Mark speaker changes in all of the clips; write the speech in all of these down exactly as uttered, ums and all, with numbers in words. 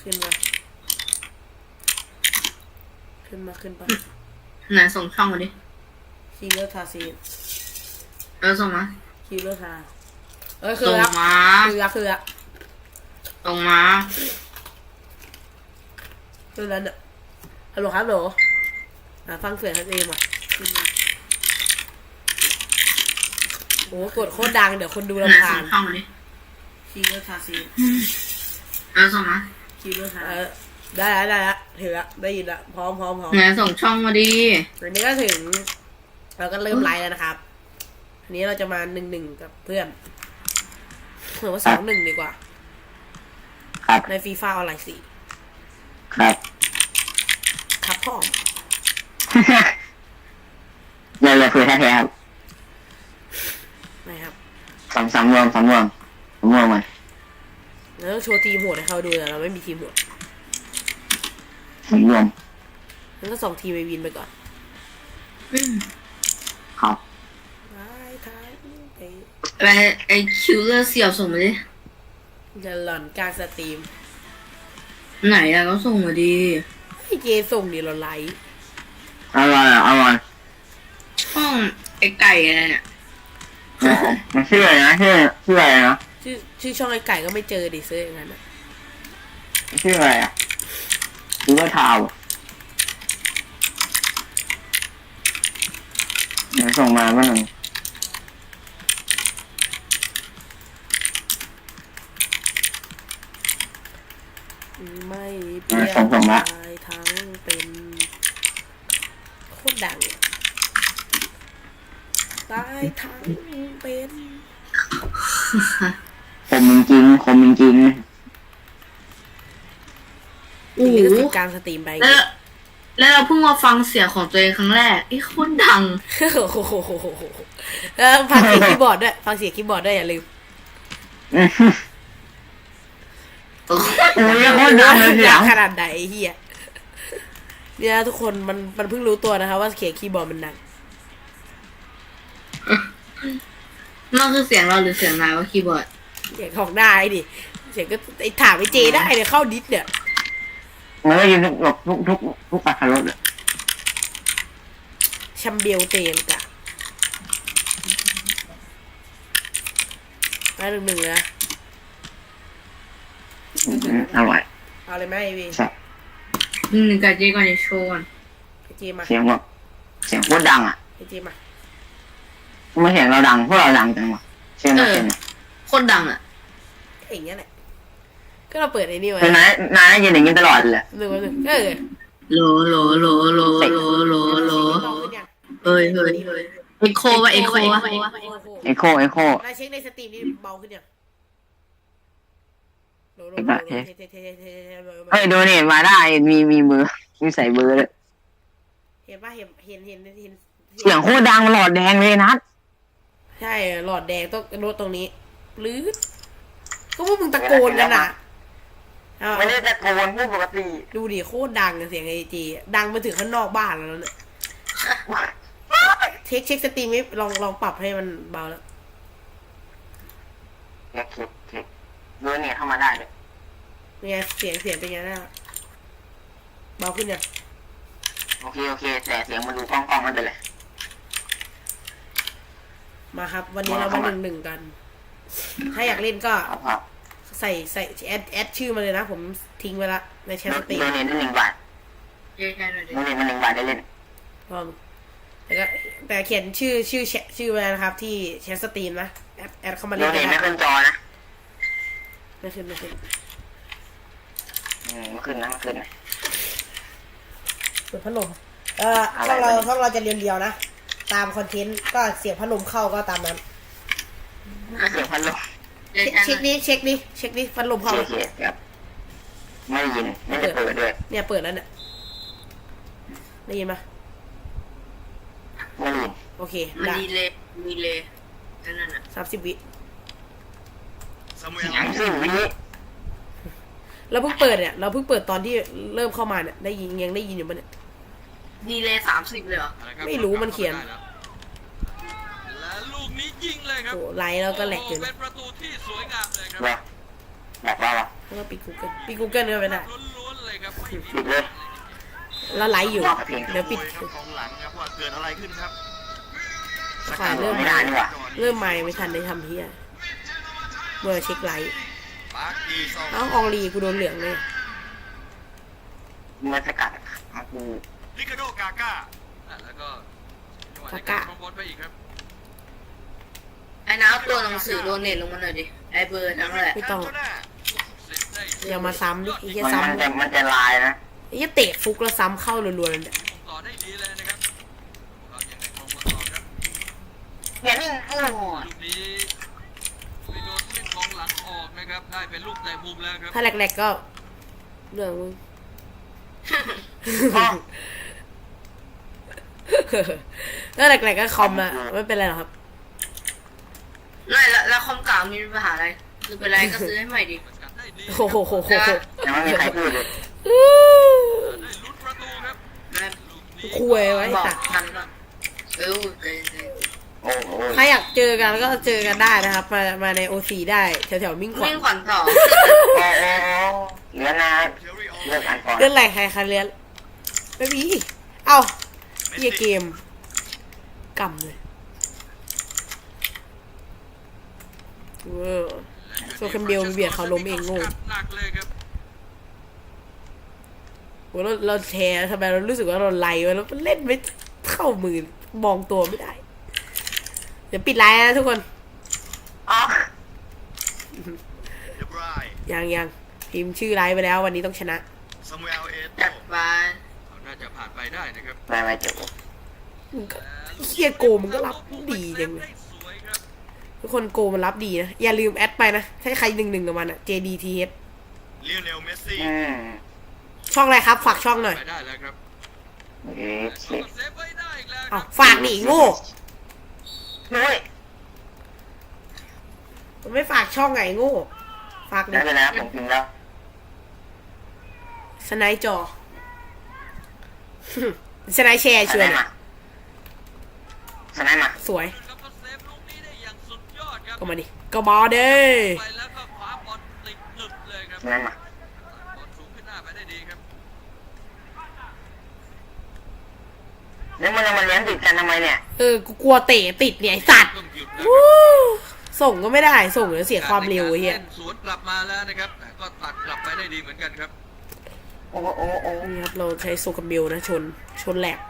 Speaker 1: ขึ้นมาขึ้นมาขึ้นไป
Speaker 2: ไหนส่งช่องมาดิ
Speaker 1: คิลเลอร์ทาซี
Speaker 2: เออส่งมา
Speaker 1: คิลเลอร์ทาเออคือส่งมาคืออะคืออะ
Speaker 2: ส่งมา
Speaker 1: คือแล้วเนี่ยฮัลโหลครับโหลอ่ะฟังเสียงท่านเองอ่ะขึ้นมาโอ้กดโคตรดังเดี๋ยวคนดูรำคาญ
Speaker 2: ช่องมาดิ
Speaker 1: คิลเลอร์ทาซี
Speaker 2: เออส่งมา
Speaker 1: คิลเลอร์ทาได้แล้วได้แล้วถือละได้ยินละพร้อมพร้อมพร้อม
Speaker 2: ไหนส่งช่องมาดิ
Speaker 1: วันนี้ก็ถึงเราก็เริ่มไลฟ์แล้วนะครับอันนี้เราจะมาหนึ่งหนึ่งกับเพื่อนหรือว่าสองหนึ่งดีกว่า
Speaker 3: ครับ
Speaker 1: ในฟีฟ่าออนไลน์สี่
Speaker 3: ครับ
Speaker 1: ครับพ่อ
Speaker 3: เลยเลยคุยแท้ๆครับ
Speaker 1: ไม่ครับ
Speaker 3: สามสามรวมสามรวมสามรวมมัน
Speaker 1: แล้วต้องโชว์ทีมโหดให้เขาดูแต่เราไม่มีทีมโหด
Speaker 3: สามรวม
Speaker 1: งั้นก็ส่งทีมไปวินไปก่อน
Speaker 3: ครับ
Speaker 2: อะไรไอคิวเลอร์เสี่ยวส่งมาดิ
Speaker 1: จะหล่อนกลางสตรีม
Speaker 2: ไหนอะก็ส่งมาดี
Speaker 1: ไอเจส่งดิเราไลฟ์
Speaker 3: อะไรอ่ะอะไร
Speaker 2: ช่องไอไก่อะไรเนี่ย
Speaker 3: มันชื่ออะไรนะชื่อชื่ออะไรนะ
Speaker 1: ชื่อชื่อช่องไอไก่ก็ไม่เจอดิเซ่อย่างนั้นนะ
Speaker 3: ชื่ออะไรอ่ะดูว่าทาวเดี๋ยวส่งมาบ้าง
Speaker 1: ไม่เปลี่ยนทั้งเป็นโคตรดังตายทั้งเป็น
Speaker 3: คมจริงคมจริง
Speaker 1: โอ้โหกลางสตรีมไป
Speaker 2: แล้วแล้วเราเพิ่งมาฟังเสียงของตัวเองครั้งแรกไอ้โคตรดัง
Speaker 1: โอ้โหแล้วฟังเสียงคีย์บอร์ดด้วยฟังเสียงคีย์บอร์ดด้วยอย่าลืม
Speaker 3: โอ้ยโคตรดังเลยเสียง
Speaker 1: ขนาดไหนไอ้เหี้ยเนี่ยทุกคนมันมันเพิ่งรู้ตัวนะครับว่าเสียงคีย์บอร์ดมันดัง
Speaker 2: นั่นคือเสียงเราหรือเสียงนายว่าคีย์บอร์ด
Speaker 1: เสียงของได้ดิเสียงก็ไอ้ถามไอ้เจได้เนี่ยเข้าดิสเนี่ย
Speaker 3: มันก็ยินทุกทุกทุกทุกอัตรสเลย
Speaker 1: ชัมเบลเตนกะมาหนึ่งหนึ่งเลยนะ
Speaker 3: อร่อย
Speaker 1: เอาเลยไหมไอวี
Speaker 2: หนึ่งหนึ่งกับเจก่อนในโชว์
Speaker 1: ไอเจมา
Speaker 3: เสียงแบบเสียงโคตรดังอ่ะ
Speaker 1: ไอเจมา
Speaker 3: ไม่เสียงเราดังพวกเราดังจังวะเสียงเราเสียง
Speaker 2: โคตรดังอ่ะ
Speaker 1: อย่างเงี้ยแหละก็เราเปิดไอ้นี่ไว้
Speaker 3: นายนายยินอย่างนี้ตลอดเลย
Speaker 1: หนึ่งวันหนึ่งเออ
Speaker 2: โลโลโลโลโลโลโลเฮ้ยเฮ้ยเอ็กโควะเอ็กโควะ
Speaker 3: เอ็กโคเอ็กโคน
Speaker 1: ายเช็คในสตรีมนี่เบาขึ้นยัง
Speaker 3: เฮ้ยดูนี่มาได้มีมีมือมีใส่เบอร์เลย
Speaker 1: เห็นป่ะเห็นเห็นเห็นเห็น
Speaker 3: เสียงโคตรดังหลอดแดงเลยนัด
Speaker 1: ใช่หลอดแดงต้องรถตรงนี้ลื้อก็พวกมึงตะโกนกันอ่ะ
Speaker 3: ไม่ได้ตะโกนพูดปกติ
Speaker 1: ดูดิโคตรดังเสียงไอจีดังไปถึงข้างนอกบ้านแล้วเนี่ยเช็คเช็คสตรีมลองลองปรับให้มันเบาแล้ว
Speaker 3: เช็คเช็คเช็คดูเนี่ยเข้ามาได้เลย
Speaker 1: เป็นไงเสียงเสียงเป็นไงนะเบาขึ้นยัง
Speaker 3: โอเคโอเคแต่เสียงมันดูกล้องกล้องมันเป็นไร
Speaker 1: มาครับวันนี้เรามาหนึ่งหนึ่งกันถ้าอยากเล่นก็ใส่ใส่แอดแอดชื่อมาเลยนะผมทิ้งไว้ละในแชทสตรีม
Speaker 3: โดเนทได้หนึ่งบาทโดเนทมาหนึ่งบาทได้เล่น
Speaker 1: พร้อมแต่ก็แต่เขียนชื่อชื่อแชทชื่อไว้นะครับที่แชทสตรีมนะแอดแอดเข้ามาเล่น
Speaker 3: โดเนทไม่ขึ้นจอนะ
Speaker 1: ไม่ขึ้นไม่ขึ้น
Speaker 3: อืมไม่ขึ้นนะไม่ขึ้นนะ
Speaker 1: เปิดพัดลมเออช่องเราช่องเราจะเรียนเดียวนะตามคอนเทนต์ก็เสียงพัดลมเข้าก็ตามนั้น
Speaker 3: เสียงพัดลม
Speaker 1: เช็คนี้เช็คนี้เช็คนี้พัดลมเข้า
Speaker 3: ครับไม่ยินไม่ได้เปิดด้วย
Speaker 1: เนี่ยเปิดแล้วเนี่ยได้ยินไหม
Speaker 3: ไม่ยิน
Speaker 1: โอเค
Speaker 2: ได้มีเลยมีเลยนั่นน่ะ
Speaker 1: สามสิบวิ
Speaker 3: สามสิบวิ
Speaker 1: เราเพิ่งเปิดเนี่ยเราเพิ่งเปิดตอนที่เริ่มเข้ามาเนี่ยได้ยินยังได้ยินอยู่ปะเนี่ย
Speaker 2: ดีเลยสามสิบเลยเหรอ
Speaker 1: ไม่รู้มันเขียน
Speaker 4: ลูกนี้ยิงเลยครับ
Speaker 1: โอ้ไลท์แล้วก็แหลกอยู่
Speaker 4: เป็นประตูที่สวยงามเลยครับ
Speaker 3: แหลกว่า
Speaker 1: ฮแล้วก็ปิด Google ปิด Google ก็ไม่ได้
Speaker 4: ล้วนๆเลยครับไม่มี
Speaker 3: ปิดเลย
Speaker 1: แล้วไลฟ์อยู่ เดี๋ยวปิด
Speaker 4: ครับของหลังครับว่าเกิดอะไรขึ้นครับ
Speaker 1: ฝ่ายเริ่ม
Speaker 3: ไม่ได้นี่หว่า
Speaker 1: เริ่มใหม่ไม่ทันได้ทำเฮียเมื่อเช็คไลฟ์
Speaker 4: ปาร์กีซอง
Speaker 1: เอ้าอองลีกูโดนเหลืองเลย
Speaker 3: เมื่อสกัดมากู
Speaker 4: ลิคาโดกาก้าอ่ะแล้วก็จังหวะในการครองบอลไปอีกครับ
Speaker 2: ไอ้น้าเอาตัวหนังสือโดนเน็ตลงมาหน่อยดิไอ้เบอร์ทั้งแหละ
Speaker 1: ไม่ต้อง
Speaker 4: แคนโทน่าเสร็จได้
Speaker 1: อย่ามาซ้ำดิไอ้เหี้ย
Speaker 3: มัน
Speaker 1: ซ้
Speaker 3: มันจะมันจะลายนะ
Speaker 1: ำไอ้เหี้ยเตะฟุกแล้วซ้ำเข้ารัวๆเลยเนี่ย
Speaker 4: ต่อได้ดีเลยนะครับเรายังได้ครองบอลต่อครับ
Speaker 3: อย่านิ่งโอ้โห
Speaker 4: ลูกนี้ไปโดนเล่นกองหลังออกนะครับได้เป็นลูกแต่มุมแล้วครับ
Speaker 1: ถ้าแหลกๆก็เรื่องมึง ถ้าแหลกๆก็คอมอะไม่เป็นไรหรอกครับ
Speaker 2: ไม่แล้วแล้วคอมเก่ามีปัญหาอะไรคือเป็นไรก็ซื้อให้ใหม่ดิ
Speaker 4: สกัดได้ดี
Speaker 1: โอ้โหโหโหโห
Speaker 3: ยังไม่มีใครพูดเลย
Speaker 4: ได้ลุ้นประตูครับ
Speaker 2: แม่
Speaker 4: ลูกนี้
Speaker 1: คุยไว้
Speaker 2: บอก
Speaker 1: สัตว์
Speaker 2: ทันก่อนเออเออเออ
Speaker 3: โอ้โห
Speaker 1: ใครอยากเจอกันก็เจอกันได้นะครับ มามาในโอซีได้แถวๆมิ่งขวัญ
Speaker 2: วิ่งขวัญต่อ
Speaker 3: โอ้โหเหลือนะ
Speaker 4: เทอรี่ออ
Speaker 3: เลิกอ่านก่อน
Speaker 1: เรื่องอะไรใครใครเรียนไม่มีเอ้าเฮียเกมกำเลยเออ โซคัมเบลเบียดเขาล้มเองโง่
Speaker 4: หนักเลยครับ
Speaker 1: โหเราเราแชร์ทำไมเรารู้สึกว่าเราไลฟ์ไว้แล้วมันเล่นไม่เข้ามือมองตัวไม่ได้ เดี๋ยวปิดไลน์นะทุกคน
Speaker 3: อ๋อ
Speaker 4: เดบราย
Speaker 1: ยังยังพิมพ์ชื่อไลฟ์ไปแล้ววันนี้ต้องชนะ
Speaker 4: ซามูเอลเอโต
Speaker 2: จัดไป
Speaker 4: เขาน่าจะผ่านไปได้นะครับ
Speaker 3: ไม่ไม่เจอ
Speaker 1: มึงก็เฮียโกมันก็รับดีจังเลย
Speaker 4: ได้สวยครับ
Speaker 1: ทุกคนโกมันรับดีนะ อย่าลืมแอดไปนะ ถ้าใครหนึ่งหนึ่งกับมันอะ เจ ดี ที เอส
Speaker 4: เลียเนลเมสซี่
Speaker 3: อืม
Speaker 1: ช่องอะไรครับ ฝากช่องหน่อย
Speaker 4: ไปได้แล้วครับ
Speaker 3: โอเค
Speaker 4: เขาก็เซฟไว้ได้อีกแล้วค
Speaker 1: เอา
Speaker 4: รับ
Speaker 1: ฝากหนีโง่
Speaker 3: นุ้ย
Speaker 1: มันไม่ฝากช่องไงโง่ ฝากดิ
Speaker 3: ได้ไปแล้วผมพิมพ์แล้ว
Speaker 1: สไนด์จอ สไนด์แชร์
Speaker 3: ส
Speaker 1: ชว
Speaker 3: ไน
Speaker 1: น
Speaker 3: ด์มาสไนด์มา
Speaker 1: สวย
Speaker 4: ครับก็เซฟลูกนี้ได้อย่างสุดยอดครับ
Speaker 1: ก็มาดิ ก็มาเด้
Speaker 4: ไปแล้วก็คว้าบอลติดหนึบเลยครับ
Speaker 3: สไนด์มา
Speaker 4: บอลสูงขึ้นหน้าไปได้ดีครับ
Speaker 3: แล้วมันยังมาเลี้ยงติดกันทำไมเนี่ย
Speaker 1: เออ กูกลัวเตะติดเนี่ยไอสัตว์
Speaker 4: ต้องหยุดนะค
Speaker 1: วู้
Speaker 4: รับ
Speaker 1: ส่งก็ไม่ได้ ส่งเดี๋ยวเสียความเร็วไอ้เฮีย
Speaker 4: ล่นสวนกลับมาแล้วนะครับแต่ก็ตัดกลับไปได้ดีเหมือนกันครับ
Speaker 3: โอ้โหโอ้โหโอ้โห
Speaker 1: นี่ครับ เราใช้โซกัมเบลนะ ชน ชนแหลก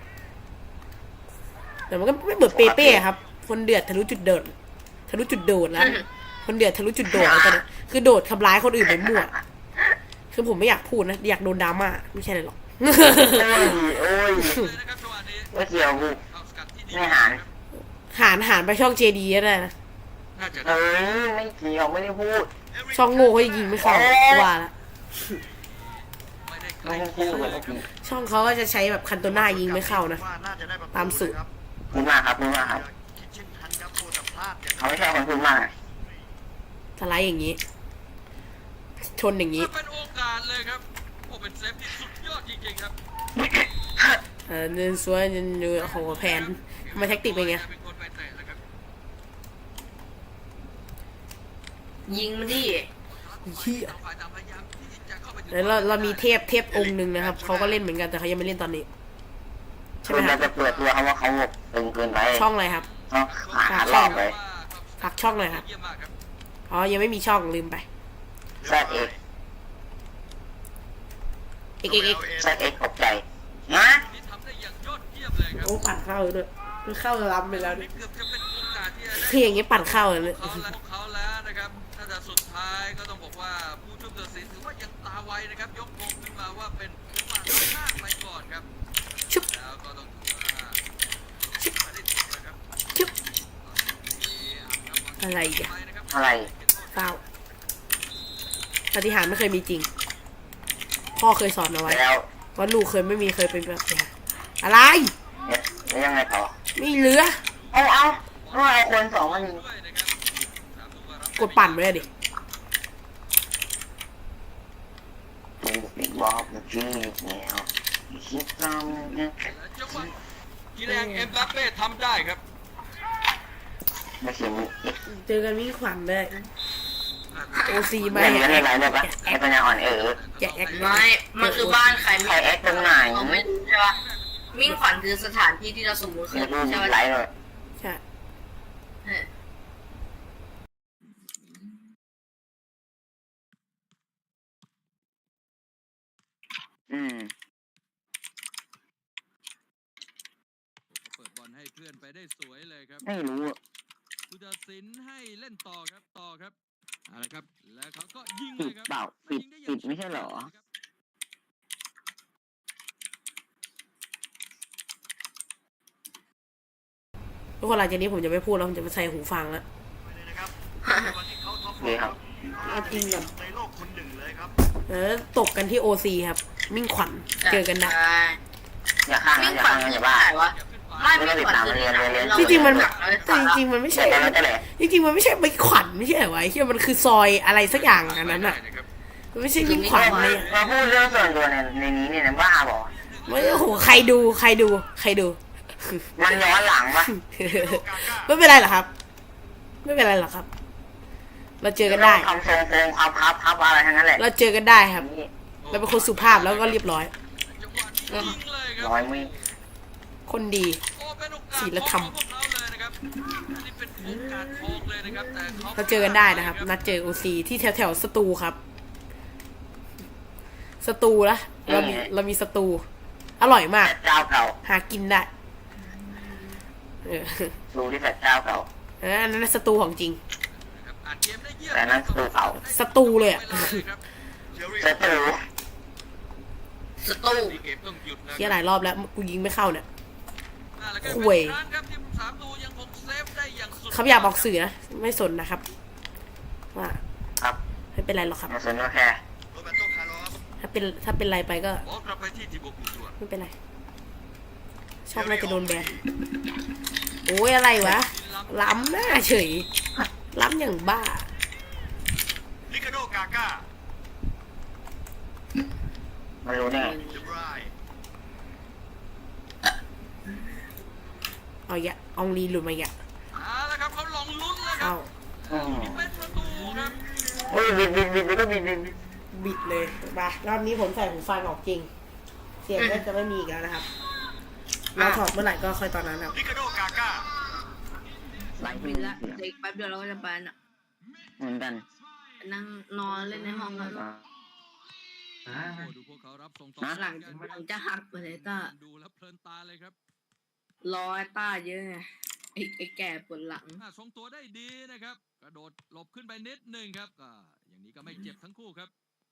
Speaker 1: แต่มันก็ไม่เหมือนเปเป้ครับ คนเดือดทะลุจุดเดินทะลุจุดโดดแล้ว คนเดือดทะลุจุดโดดแล้วตอนนี้คือโดดทำร้ายคนอื่นไปมั่ว คือผมไม่อยากพูดนะ อยากโดนดราม่าไม่ใช่เลยหรอก
Speaker 3: โอ้ยโอ้ย
Speaker 4: เลยนะครับจังหวะนี้
Speaker 3: ไม่เกี่ยวกู
Speaker 4: เข้าสกัดที่ดี
Speaker 3: ไม่หาร
Speaker 1: หารหารไปช่องเจดีก็ได้นะ
Speaker 4: น่าจะ
Speaker 3: เอ้ยไม่เกี่ยวไม่ได้พูด
Speaker 1: ช่องโง่เขาจะยิงไม่เข้าว่าละ
Speaker 4: ไม่ได้ไกล
Speaker 3: ไม่ได้พูดเลยเมื่อกี้
Speaker 1: ช่องเขาก็จะใช้แบบคันโตน่ายิงไม่เข้านะ
Speaker 4: ว่าน่าจะได้ประ
Speaker 1: ตามสูตร
Speaker 4: ครับ
Speaker 3: พูดมากครับพูดมากครับ
Speaker 4: คิดเช่นทันครับโคตรพลาดอย่าง
Speaker 3: เขาไม่ใช่คนพูดมาก
Speaker 1: สไลด์อย่างนี้ ชนอย่างนี้
Speaker 4: เป็นโอกาสเลยครับโอ้เป็นเซฟที่สุดยอดจริงๆครับ
Speaker 1: เออเดินสวยเดินดูโอ้โหแผนทำไมแท็กติกเป็นไง
Speaker 4: เป็นคนไปเตะแล้วครับ
Speaker 2: ยิงมันดิ
Speaker 1: เฮีย
Speaker 4: ต่างฝ่ายต่างพยายามที่จะเข้าไปถึง
Speaker 1: แล้วเราเรามีเทพเทพองค์หนึ่งนะครับเขาก็เล่นเหมือนกันแต่เขายังไม่เล่นตอนนี้ใช่ไหม
Speaker 3: คือ
Speaker 1: ค
Speaker 3: มั
Speaker 1: รั
Speaker 3: น
Speaker 1: บ
Speaker 3: จะเปิดตัวเขาว่าเขาตึงเกินไป
Speaker 1: ช่องอะไรครับ
Speaker 3: ต้องหารอบไป
Speaker 1: ฝากช่องหน่อยครับ
Speaker 4: เยี่ยมมากครับ
Speaker 1: อ๋อยังไม่มีช่องลืมไป
Speaker 3: แซดเอ็ก
Speaker 1: เอกเอกเอก
Speaker 3: แซดเอ็กตกใจนะ
Speaker 4: ที่ทำได้อย่างยอดเยี่ยมเลยครับ
Speaker 1: โอ้ปั่นเข้าด้วยมันเข้าล้ำไปแล้ว
Speaker 4: นี่
Speaker 1: นี่
Speaker 4: เกือบจะเป็นโอกาสที่จะได้
Speaker 1: คืออย่างนี้ปั่นเข้าเลย
Speaker 4: เขาแล้วเขาแล้วนะครับถ้าจะสุดท้ายก็ต้องบอกว่าผู้ช่วยตัดสินถือว่ายังตาไวนะครับ ยกธงขึ้นมาว่าเป็นผู้มาน้อยหน้าไปก่อนครับ
Speaker 1: ชุบ
Speaker 4: แล้วก็ต้องถือว่าไม่ได้ถูกนะครับ
Speaker 1: ชุบ
Speaker 4: มีอ่างน้ำมัน
Speaker 1: อะไรอีกอะ
Speaker 4: ไปนะครับ
Speaker 3: อะไร
Speaker 1: เศร้าปฏิหารย์ไม่เคยมีจริง พ่อเคยสอนเอาไว้
Speaker 3: แล้ว
Speaker 1: ว่าลูกเคยไม่มีเคยเป็นแบบนี้อะไร
Speaker 3: แล้วยังไงต่อ
Speaker 1: ไม่เหลือ
Speaker 3: เอาเอาเอาเอาคนสองมายิง
Speaker 4: ด้วยนะครับถามดูว่ารับ
Speaker 1: กดปั่นไว้เลยดิ
Speaker 3: กูเป็นบอกเมื่อกี้แล้วคิดตามนะ
Speaker 4: แล้วจังหวะกีแรงเอ็มบัปเป้ทำได้ครับ
Speaker 3: ไม่ใช่มึง
Speaker 1: เจอกันมิ่งขวัญเลย
Speaker 4: อ่า
Speaker 1: โอซีมา
Speaker 3: เล่น
Speaker 1: แห
Speaker 3: กันเล่น
Speaker 1: ก
Speaker 3: อะไรเนี่ยปะไอ้ปัญญาอ่อนเออ
Speaker 1: อย่าแอก
Speaker 5: ไม่ มันคือบ้านใคร
Speaker 3: ใครแอคตรงไหน
Speaker 5: เราไม่รู้ใช่ปะมิ่งขวัญคือสถานที่ที่เราสมมติขึ้
Speaker 3: เดี๋ย
Speaker 5: น
Speaker 3: วดู
Speaker 5: ใช่ปะ
Speaker 3: ไลฟ์เลย
Speaker 1: ใช่
Speaker 5: เออ
Speaker 3: อืม
Speaker 4: เปิดบอลให้เพื่อนไปได้สวยเลยครับ
Speaker 3: ไม่รู้อะ
Speaker 4: ผู้ตัดสินให้เล่นต่อครับต่อครับเอาละครับแล้วเขาก็ยิง
Speaker 3: ปิ
Speaker 4: เล
Speaker 3: ด
Speaker 4: ยครับ
Speaker 3: เปล่าปิด
Speaker 4: ยิงได้อ
Speaker 3: ปิ
Speaker 4: ย่าง
Speaker 3: ดไม่ใช่เหรอ
Speaker 1: ทุกคนหลังจากนี้ผมจะไม่พูดแล้วผมจะไปใส่หูฟังแล้ว
Speaker 3: ดีครับ
Speaker 1: เอาจริงแบบเออตกกันที่โอซีครับ มิ่งขวัญเจอกันนะ
Speaker 5: ใช่
Speaker 3: อย่าข้าง
Speaker 5: มิ่
Speaker 3: นะ
Speaker 5: ง
Speaker 3: อย่า
Speaker 5: ขวัญ
Speaker 3: ข้างนะ
Speaker 5: คือ
Speaker 3: อย่า
Speaker 5: บ้า
Speaker 3: บ้าน
Speaker 5: วะไม่
Speaker 3: ไม่ต้อง
Speaker 5: มิ่
Speaker 3: ติ
Speaker 5: ง
Speaker 3: ด
Speaker 5: ขวัญ
Speaker 3: ตาม
Speaker 5: คือ
Speaker 3: เรียนเรียนเรียน
Speaker 1: จริงๆมัน
Speaker 5: เรา
Speaker 1: แต่จริงๆมันไม่ใช่
Speaker 3: แต่แล้วแต่แหละ
Speaker 1: จริงๆมันไม่ใช่มิ่งขวัญไม่ใช่เหรอวะไอ้เหี้ยมันคือซอยอะไรสักอย่างอันนั้นอ่ะมันไม่ใช่มิ่งขวัญเลยอะ
Speaker 3: มาพูดเรื่องส่วนตัวในในนี้เนี่ยนะบ้าบอก
Speaker 1: ไม่โอ้โหใครดูใครดูใครดู
Speaker 3: มันย้อนหลังปะ
Speaker 1: ไม่เป็นไรหรอกครับ ไม่เป็นไรหรอกครับ เราเจอกันได้
Speaker 3: ทำทรงโครงพับพับพับอะไรทั้งนั้นแหละ
Speaker 1: เราเจอกันได้ครับ เราเป็นคนสุภาพแล้วก็เรียบร้อย
Speaker 4: จังหวะยิงเลยครับ
Speaker 3: ร้อยมี
Speaker 1: คนดี
Speaker 4: โอ้เป็นโอกาส
Speaker 1: ศีลธรรม
Speaker 4: ของพวกเขาเลยนะครับอันนี้เป็นโอกาสทองเลยนะครับแต่เขา
Speaker 1: เราเจอกันได้นะครับ นัดเจอโอซีที่แถวแถวๆสตูครับ สตูละเรามีเรามีสตู อร่อยมาก
Speaker 3: เจ้าเก่า
Speaker 1: หากินได้เออ
Speaker 3: ดูที่แฟดเจ้าเก่า
Speaker 1: อันนั้นสตูของจริง
Speaker 4: นะครับอ่านเกมได้เยี่ยม
Speaker 3: แต่นั่นสตูเก่า
Speaker 1: สตูเลยอะ
Speaker 4: เวลาเลยครับ
Speaker 3: เซตรู
Speaker 5: สตู้
Speaker 4: นี่เกมต้องหยุดนะ
Speaker 1: เที่ยหลายรอบแล้วกูยิงไม่เข้าเนี่ย
Speaker 4: อ่าแล้วก็
Speaker 1: ห่วย
Speaker 4: เป็นครั้งครับที่ผู้สามตูยังคงเซฟได้อย่างสุด
Speaker 1: เขาอยากบอกสื่อนะไม่สนนะครับ ว่า
Speaker 3: ครับ
Speaker 1: ไม่เป็นไรหรอกครับ
Speaker 3: มาสนก็แค่
Speaker 1: ถ้าเป็นถ้าเป็นไรไปก็
Speaker 4: บอลกลับไปที่ทีมบุกตัว
Speaker 1: ไม่เป็นไร ชอบน่าจะโดนแบนโอ้ยอะไรวะ ล้ำหน้าเฉย ล้ำอย่างบ้า
Speaker 6: ลิคาโดกาก้า
Speaker 3: มันรู้แน่
Speaker 6: เดบราย
Speaker 1: เอาอย่าอองลีหลุดมาอย่า
Speaker 4: เอาละครับเขาลองลุ้นแล้วครั
Speaker 1: เอา
Speaker 4: บ
Speaker 3: อืม
Speaker 4: นี่เป็นประตูครับ
Speaker 3: โอ้ยบิดบิดบิดบิดก็บิดบิดบิด
Speaker 1: บิดเลยมารอบนี้ผมใส่หูฟังออกจริง เสียงก็จะไม่มีอีกแล้วนะครับ เราถอดเมื่อไหร่ก็ค่อยตอนนั้นครับ
Speaker 6: ลิคาโดกาก้า
Speaker 3: ไลฟ์
Speaker 5: บิ
Speaker 3: บิ
Speaker 5: น
Speaker 3: ด
Speaker 5: ละ
Speaker 3: เสียง
Speaker 5: เด็กแป๊บเดียวเราก็จะไปน่ะ
Speaker 3: เหมือนกัน
Speaker 5: นั่งนอนเล่นในห้องกัน
Speaker 3: อ่า
Speaker 4: โอ้ดูพวกเขารับส่งต่อ
Speaker 5: หลังหลังจะหักไปเลยต้า
Speaker 4: ดูแล้วเพลินตาเลยครับ
Speaker 5: รอไอ้ต้าเยอะไงไอ้ไอ้แก่ปวดหลัง
Speaker 4: อ่าทรงตัวได้ดีนะครับ กระโดดหลบขึ้นไปนิดหนึ่งครับก็อย่างนี้ก็ไม่เจ็บทั้งคู่ครับ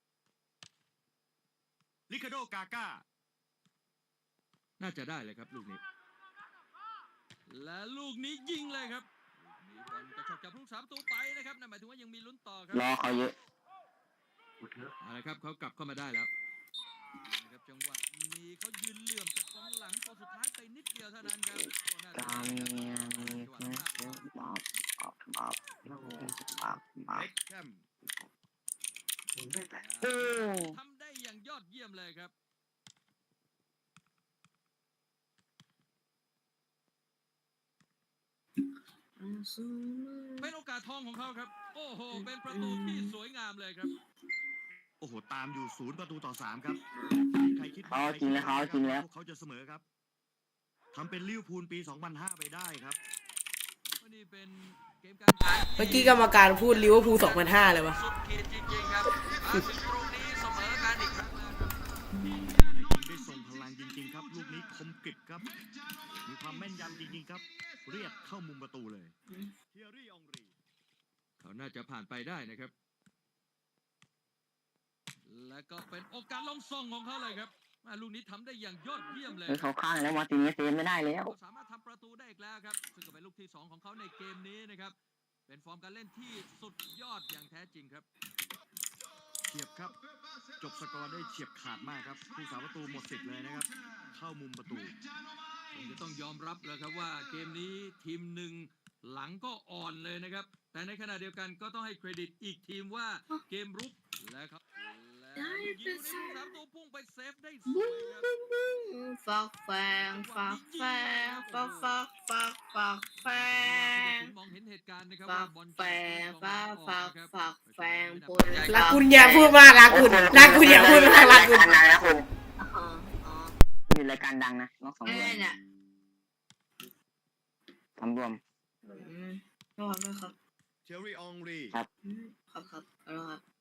Speaker 6: ลิคาโดกาก้า
Speaker 4: น่าจะได้เลยครับลูกนี้ และลูกนี้ยิงเลยครับลูกนี้บอลกระชอกจากผู้สามประตูไปนะครับนั่นหมายถึงว่ายังมีลุ้นต่อครั
Speaker 3: รอเขาเยอะ
Speaker 4: เอาละครับเขากลับเข้ามาได้แล้วนะครับจังหวะนี้เขายืนเหลื่อมจากกองหลังพอสุดท้ายไปนิดเดียวเท่านั้นครับก็น่าจะ
Speaker 3: กา
Speaker 4: ได้
Speaker 3: มี
Speaker 4: ครับ
Speaker 3: มีบ๊อบบ๊อบบ๊อบบ๊อบบ๊อบบ๊อบ
Speaker 6: เล็กแคม
Speaker 3: โอ้
Speaker 4: ทำได้อย่างยอดเยี่ยมเลยครับ เป็นโอกาสทองของเขาครับ โอ้โห เป็นประตูที่สวยงามเลยครับ
Speaker 6: โอ้โห ตามอยู่ศูนย์ประตูต่อสามครับ ใครคิด
Speaker 3: เขาจริงแล้วเขาจริงแล้ว
Speaker 6: พวกเขาจะเสมอครับทำเป็นลิเวอร์พูลปี สองพันห้า ไปได้ครับ
Speaker 4: วันนี้เป็นเกมการแข่ง
Speaker 1: เมื่อกี้กรรมการพูดลิเวอร์พูลสองพันห้าเลยวะ
Speaker 4: สุดขีดจริงๆครับมาถึงตรงนี้เสมอกันอีกครั้งแล้วครับ
Speaker 6: ยิงได้ส่งพลังจริงๆครับ ลูกนี้คมกริบครับ มีความแม่นยำจริงๆครับ เรียกเข้ามุมประตูเลยเทียรี่องรี
Speaker 4: เขาน่าจะผ่านไปได้นะครับ และก็เป็นโอกาสลงส่งของเขาเลยครับอ่าลูกนี้ทำได้อย่างยอดเยี่ยมเลย
Speaker 3: เฮ้ยเขาข้างแล้วมาร์ตินเนสเซฟไม่ได้แล้ว
Speaker 4: เขาสามารถทำประตูได้อีกแล้วครับ ซึ่งก็เป็นลูกที่สองของเขาในเกมนี้นะครับ เป็นฟอร์มการเล่นที่สุดยอดอย่างแท้จริงครับ
Speaker 6: เฉียบครับ จบสกอร์ได้เฉียบขาดมากครับ ผู้สาประตูหมดสิทธิ์เลยนะครับ เข้ามุมประตู
Speaker 4: ผมจะต้องยอมรับเลยครับว่าเกมนี้ทีมหนึ่งหลังก็อ่อนเลยนะครับ แต่ในขณะเดียวกันก็ต้องให้เครดิตอีกทีมว่าเกมรุกและครับและแล้วลูกยิงลูกนี้ผู้สามตัวพุ่งไปเซฟได้สวยครับ
Speaker 5: ฟักแฟงฟักแฟงฟักฟักฟักฟักแฟง
Speaker 4: มองเห็นเหตุการณ์นะครับ
Speaker 5: ฟั
Speaker 4: ว่าก บอล
Speaker 5: แฟงฟักฟักฟักแฟงพล
Speaker 1: รักคุณอย่าพูดมากรักคุณรักคุณอย่าพูดมากรักคุณ
Speaker 3: รายการดังนะคุณ
Speaker 5: อ๋ออ๋อ
Speaker 3: มีรายการดังนะนอกสอง
Speaker 5: ไม่
Speaker 3: เดือน
Speaker 5: เนี่ย
Speaker 3: ทำรวม
Speaker 5: อืมระวังด้วยครับ
Speaker 6: เชอรี่อองรี
Speaker 5: อืมครับครับเอาละครับ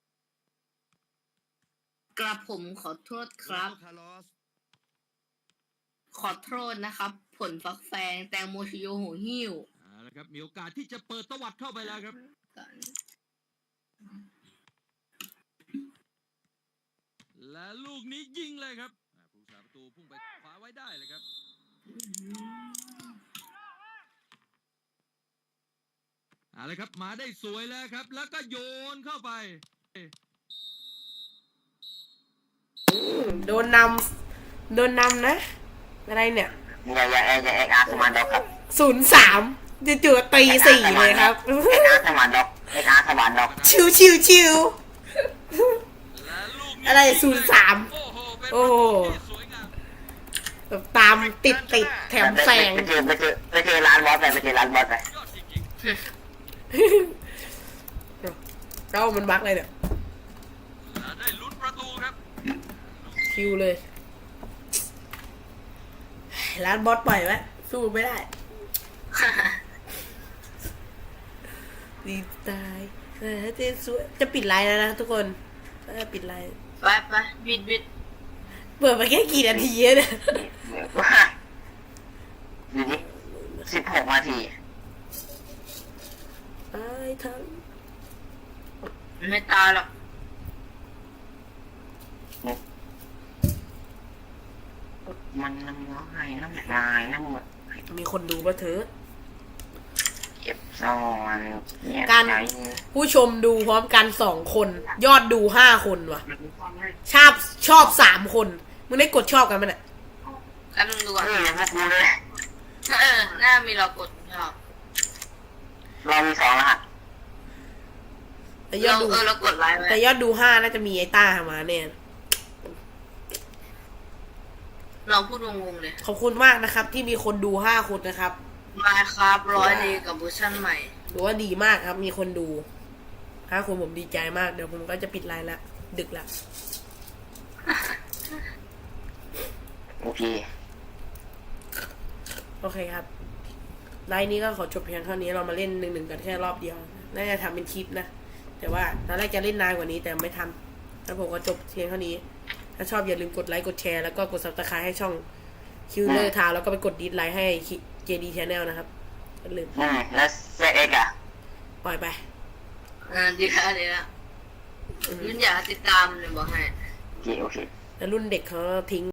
Speaker 5: กระผมขอโทษครับ
Speaker 6: คาร์ลอส
Speaker 5: ขอโทษนะครับ ผลฟักแฟงแตงโมชิโยโหหิ้ว
Speaker 4: เอาละครับมีโอกาสที่จะเปิดตวัดเข้าไปแล้วครับ
Speaker 5: กัน
Speaker 4: และลูกนี้ยิงเลยครับอ่าผู้สาประตูพุ่งไปคว้าไว้ได้เลยครับเอาละครับมาได้สวยแล้วครับ แล้วก็โยนเข้าไป
Speaker 1: โดนนำโดนนำนะ อะไรเนี่ย
Speaker 3: อย่าอย่าอย่าอย่าเอ็กอาร์สมาร์ทด็อกครับ
Speaker 1: ศูนย์สามจู่ๆตีสี่เลยครับ
Speaker 3: เอ็กอาร์สมาร์ทด็อกเอ็กอาร์สมาร์ทด็อก
Speaker 1: ชิวชิวชิว
Speaker 4: และลูกนี้
Speaker 1: อะไรศูนย์สาม
Speaker 4: โอ้โหเป็น
Speaker 1: โอ้
Speaker 4: ประ
Speaker 1: โห
Speaker 4: ตูที่สวยงาม
Speaker 1: แบบตามติดติดแถมแซง
Speaker 3: ไปเจอไปเจอไปเจอร้านบอสไปไปเจอร้านบอสไป
Speaker 4: ยอดจริง
Speaker 1: เก้ามันบักเลยเนี่ย
Speaker 4: ๆและได้ลุ้นประตูครับ
Speaker 1: คิวเลยร้านบอสปล่อยไว้สู้ไม่ได้ ดีตายแต่จะสวยจะปิดไลน์แล้วนะทุกคนเออปิดไลน์
Speaker 5: ไปไปบิดบิด
Speaker 1: เปิดมาแค่กี่นาทีเนี่ย
Speaker 3: ดูดิสิบหกนาที
Speaker 1: ตายทั้ง
Speaker 5: ไม่ตายหรอก
Speaker 3: มันน้ำลายน้ำลายน้ำหมด
Speaker 1: มีคนดูปะเถอะ
Speaker 3: เก็บซ่อนเนี่ย
Speaker 1: การ
Speaker 3: ใช้
Speaker 1: ผู้ชมดูพร้อมกันสองคน ยอดดูห้าคนว่ะ ชอบชอบสามคนมึงได้กดชอบกันมั้ยเนี่ย
Speaker 5: กันมึงดูก่อน
Speaker 3: นี่เลยพวกกูเลย
Speaker 5: เออหน้ามีเรากดชอบ
Speaker 3: เรามีสองรหัส
Speaker 1: แต่ยอ
Speaker 5: เรา
Speaker 1: ดดู
Speaker 5: เออเรากดไลค์ไว้
Speaker 1: แต่ยอดดูห้าน่าจะมีไอ้ต้ามาเนี่ย
Speaker 5: เราพูดงงๆเลย
Speaker 1: ขอบคุณมากนะครับ ที่มีคนดูห้าคนนะครับ
Speaker 5: มาครับร้อยดีกับบูชั่นใหม่
Speaker 1: หรือว่าดีมากครับ มีคนดูห้าคนผมดีใจมาก เดี๋ยวผมก็จะปิดไลน์ละดึกละ
Speaker 3: โอเค
Speaker 1: โอเคครับไลน์นี้ก็ขอจบเพียงเท่านี้เรามาเล่นหนึ่งหนึ่งกันแค่รอบเดียวน่าจะทำเป็นคลิปนะแต่ว่าตอนแรกจะเล่นนานกว่านี้แต่ไม่ทำแล้วผมก็จบเพียงเท่านี้ถ้าชอบอย่าลืมกดไลค์กดแชร์แล้วก็กด ซับสไครบ์ ให้ช่องคิวเลอร์ทาวแล้วก็ไปกดดิสไลค์ให้ เจ ดี Channel นะครับอย่าลืม
Speaker 3: อืมแล้วเซตเอ็กอะ
Speaker 1: ปล่อยไป
Speaker 5: อ่าดีแล้วดีแล้วยุ่นอยากติดตามเลยบอกให้
Speaker 3: โอเคโอเค
Speaker 1: แล้วรุ่นเด็กเขาทิ้ง